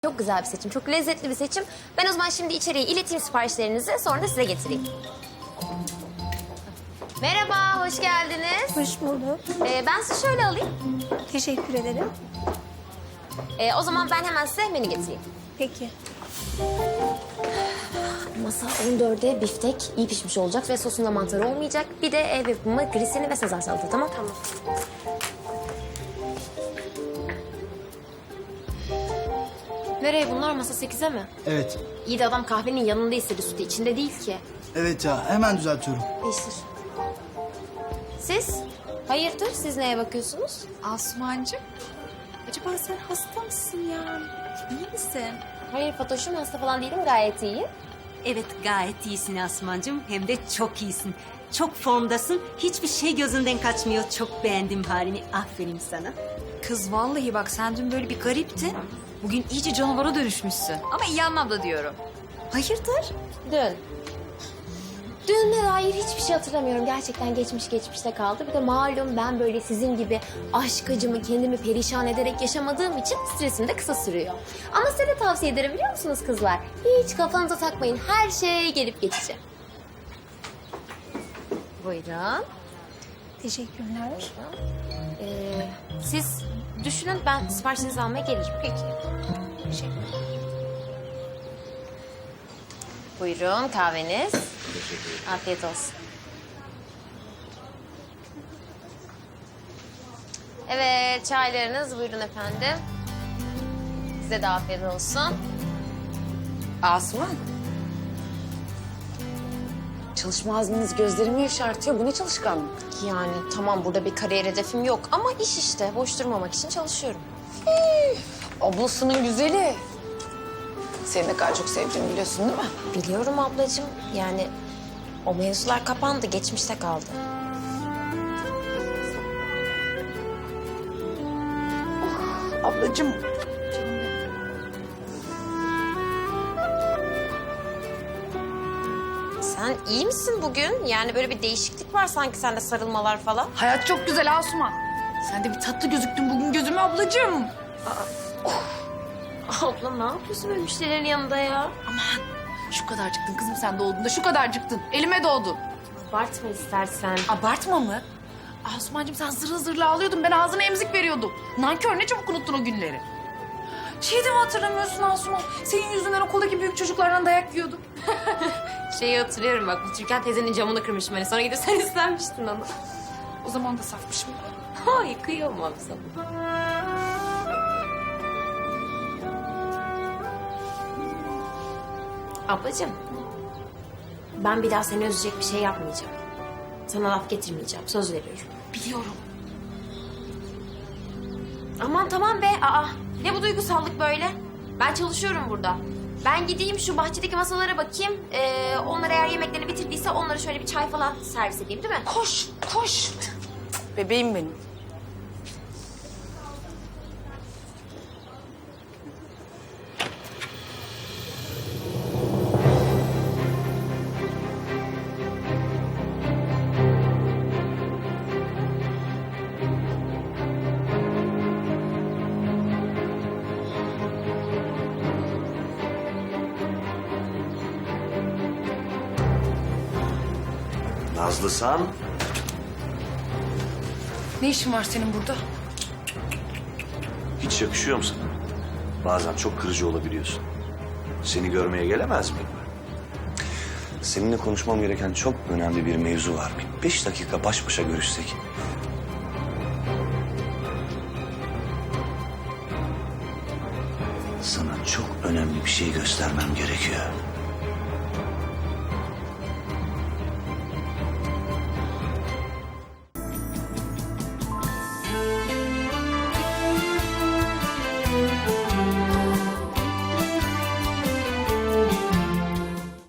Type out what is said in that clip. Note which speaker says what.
Speaker 1: Çok güzel bir seçim, çok lezzetli bir seçim. Ben o zaman şimdi içeriye ileteyim siparişlerinizi, sonra da size getireyim. Merhaba, hoş geldiniz.
Speaker 2: Hoş bulduk.
Speaker 1: Ben sizi şöyle alayım.
Speaker 2: Teşekkür ederim.
Speaker 1: O zaman ben hemen size menü getireyim.
Speaker 2: Peki.
Speaker 1: Masa 14'e biftek iyi pişmiş olacak ve sosunda mantar olmayacak. Bir de ev yapımı grisini ve sezar salata, tamam? Tamam. Nereye bunlar? Masa 8'e mi?
Speaker 3: Evet.
Speaker 1: İyi de adam kahvenin yanında istedi, sütü içinde değil ki.
Speaker 3: Evet ya, hemen düzeltiyorum.
Speaker 1: Değiştir. Siz? Hayırdır? Siz neye bakıyorsunuz?
Speaker 4: Asumancığım, acaba sen hasta mısın ya? İyi misin?
Speaker 1: Hayır Fatoş'um, hasta falan değilim, gayet iyiyim.
Speaker 5: Evet, gayet iyisin Asumancığım. Hem de çok iyisin. Çok formdasın. Hiçbir şey gözünden kaçmıyor. Çok beğendim halini. Aferin sana.
Speaker 4: Kız vallahi bak sen dün böyle bir gariptin. Bugün iyice canavara dönüşmüşsün. Ama iyi anlamda diyorum. Hayırdır?
Speaker 1: Dün. Dünle dair hiçbir şey hatırlamıyorum. Gerçekten geçmişte kaldı. Bir de malum ben böyle sizin gibi aşk acımı kendimi perişan ederek yaşamadığım için stresim de kısa sürüyor. Ama size de tavsiye ederim, biliyor musunuz kızlar? Hiç kafanıza takmayın. Her şey gelip geçici. Buyurun.
Speaker 2: Teşekkürler.
Speaker 1: Siz düşünün, ben siparişinizi almaya gelirim. Peki.
Speaker 2: Teşekkürler.
Speaker 1: Buyurun kahveniz. Afiyet olsun. Evet, çaylarınız buyurun efendim. Size de afiyet olsun.
Speaker 6: Asuman. Çalışma azminiz gözlerimi yaşartıyor. Bu ne çalışkanlık?
Speaker 1: Yani tamam, burada bir kariyer hedefim yok ama iş işte. Boş durmamak için çalışıyorum.
Speaker 6: Ablasının güzeli. Seni ne kadar çok sevdiğimi biliyorsun değil mi?
Speaker 1: Biliyorum ablacığım. Yani o mevzular kapandı, geçmişte kaldı.
Speaker 6: Ablacığım.
Speaker 1: Sen iyi misin bugün? Yani böyle bir değişiklik var sanki sende, sarılmalar falan.
Speaker 4: Hayat çok güzel Asuman. Sen de bir tatlı gözüktün bugün gözüme ablacığım.
Speaker 1: Abla ne yapıyorsun böyle müşterilerin yanında ya?
Speaker 4: Aman şu kadarcıktın kızım sen doğduğunda şu kadarcıktın. Elime doğdun.
Speaker 1: Abartma istersen.
Speaker 4: Abartma mı? Asumancığım sen zırıl zırıl ağlıyordun. Ben ağzına emzik veriyordum. Nankör, ne çabuk unuttun o günleri. Şeyi de mi hatırlamıyorsun Asuman? Senin yüzünden okuldaki büyük çocuklardan dayak yiyordum.
Speaker 1: Şeyi hatırlıyorum bak, bu Türkan teyzenin camını kırmışım hani. Sonra gidip sen istenmiştin onu.
Speaker 4: O zaman da safmışım.
Speaker 1: Ay kıyamam sana. Ablacığım, ben bir daha seni üzecek bir şey yapmayacağım. Sana laf getirmeyeceğim, söz veriyorum.
Speaker 4: Biliyorum.
Speaker 1: Aman tamam be, ne bu duygusallık böyle? Ben çalışıyorum burada. Ben gideyim şu bahçedeki masalara bakayım. Onlar eğer yemeklerini bitirdiyse onlara şöyle bir çay falan servis edeyim, değil mi?
Speaker 6: Koş, koş. Bebeğim benim.
Speaker 7: Nazlısan,
Speaker 4: Ne işin var senin burada?
Speaker 7: hiç yakışıyor mu sana? Bazen çok kırıcı olabiliyorsun. Seni görmeye gelemez miyim? Seninle konuşmam gereken çok önemli bir mevzu var. Bir 5 dakika baş başa görüşsek. Sana çok önemli bir şey göstermem gerekiyor.